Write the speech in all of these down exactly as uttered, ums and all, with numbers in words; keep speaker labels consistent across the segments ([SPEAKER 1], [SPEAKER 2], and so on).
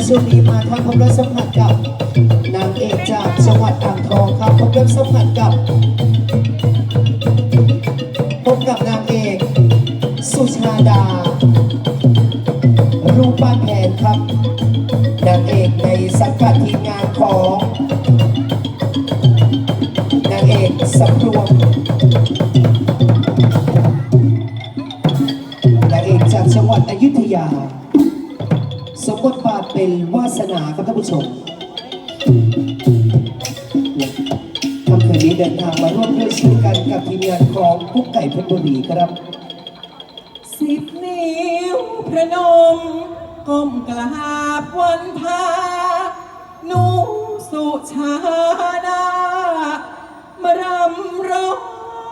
[SPEAKER 1] ช่วงนี้มาทำความรักสัมผัสกับนางเอกจากจังหวัดอ่างทองครับพบกับสัมผัสกับพบกับนางเอกสุชาดารูปบ้านแผนครับนางเอกในสังกัดทีมงานของนางเอกสำรวมนางเอกจากจังหวัดอยุธยาสมบทบาทเป็นวาสนาครับท่านผู้ชมค่ำคืนนี้เดินทางมาร่วมด้วยช่วยกันกับทีมงานของกุ๊กไก่เพชรบุรีครับ
[SPEAKER 2] สิบนิ้วพระนมก้มกราบวันพาหนูสุชาดามารำร้อง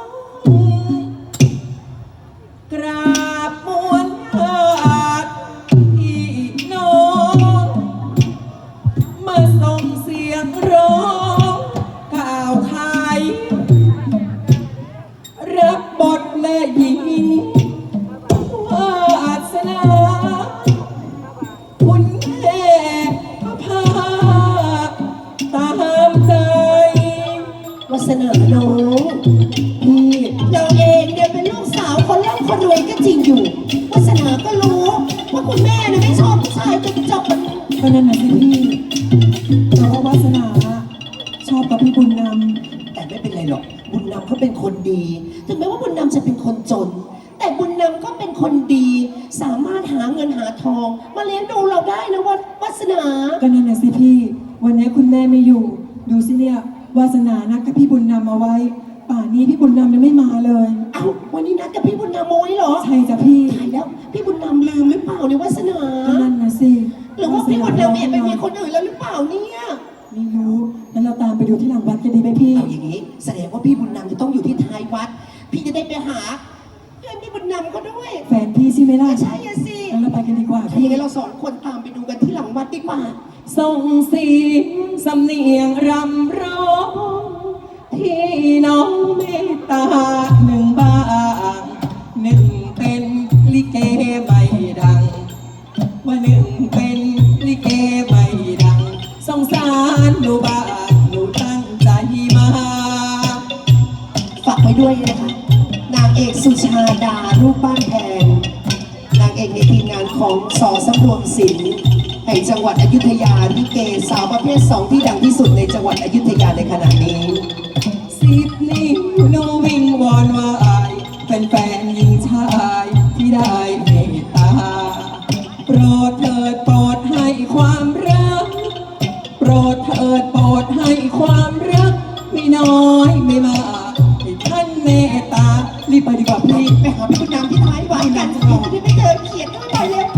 [SPEAKER 2] กราบมวลญาติพี่น้องมาส่งเสียงร้องกล่าวขายรับบทแม่หญิงวาสนาคุณแม่พาตามใจ
[SPEAKER 1] วาสนาน้องพี่เราเองเนี่ยเป็นลูกสาวคนร่ำคนรวยก็จริงอยู่วาสนาก็รู้ว่าคุณแม่เนี่ยไม่ชอบผู้ชายจนจบ
[SPEAKER 2] ก็นั่นน่ะสิพี่เพราะว่าวาสนาชอบกับพี่บุญน
[SPEAKER 1] ำแต่ไม่เป็นไรหรอกบุญนำเขาเป็นคนดีถึงแม้ว่าบุญนำจะเป็นคนจนแต่บุญนำก็เป็นคนดีสามารถหาเงินหาทองมาเลี้ยงดูเราได้นะวัดวาสนา
[SPEAKER 2] ก็นั่นน่ะสิพี่วันนี้คุณแม่ไม่อยู่ดูสิเนี่ยวาสนานัดกับพี่บุญนำเอาไว้ป่านนี้พี่บุญนำยังไม่มาเลย
[SPEAKER 1] เอ้าวันนี้นัดกับพี่บุญนำเอาไว้เหรอ
[SPEAKER 2] ใช่จ้ะพี่
[SPEAKER 1] ใช่แล้วพี่บุญนำลืมหรือเปล่าเนี่ยวาสนา
[SPEAKER 2] ก็นั่นน่ะสิ
[SPEAKER 1] หรือว่าพี่บุญนำเองไปมีคนอื่นแล้วหรือเปล่าเนี่ย
[SPEAKER 2] ไม่รู้งั้นเราตามไปดูที่หลังวัดกันดีไหมพี่
[SPEAKER 1] เอาอย่างนี้แสดงว่าพี่บุญนำจะต้องอยู่ที่ท้ายวัดพี่จะได้ไปหาเพื่อนพี่บุญนำก็ด้วย
[SPEAKER 2] แฟนพี่ใช่ไหมล่ะ
[SPEAKER 1] ใช่สิ
[SPEAKER 2] งั้นเราไปกันดีกว่า
[SPEAKER 1] พี่งั้นเราสองคนตามไปดูกันที่หลังวัดดีกว่า
[SPEAKER 2] ส่งเสียงสำเนียงรำร้องที่น้องเมตตาหนึ่งบ้างหนึ่งเป็นลิเกไม่ดังว่าหนึ่งเป็นลิเกไม่ดังสงสารหนูบ้างหนูตั้งใจมา
[SPEAKER 1] ฝากไว้ด้วยนะคะนางเอกสุชาดารูปบ้านแพงนางเอกในทีมงานของสอสำรวมศิลป์แห่งจังหวัดอยุธยาลิเกสาวประเภทสองที่ดังที่สุดในจังหวัดอยุธยาในขณะนี้
[SPEAKER 2] สิบนิ้วโนวิงวอนวายแฟนๆหญิงชายที่ได้เมตตาโปรดเถิดโปรดให้ความรักโปรดเถิดโปรดให้ความรักไม่น้อยไม่มากให้ท่านเมตตารีบไปดีกว่าพี่
[SPEAKER 1] ไปหาพี่บุญนำที่ท้ายวัดกันจะได้ไม่เจอเขียนด้วยไปเร็ว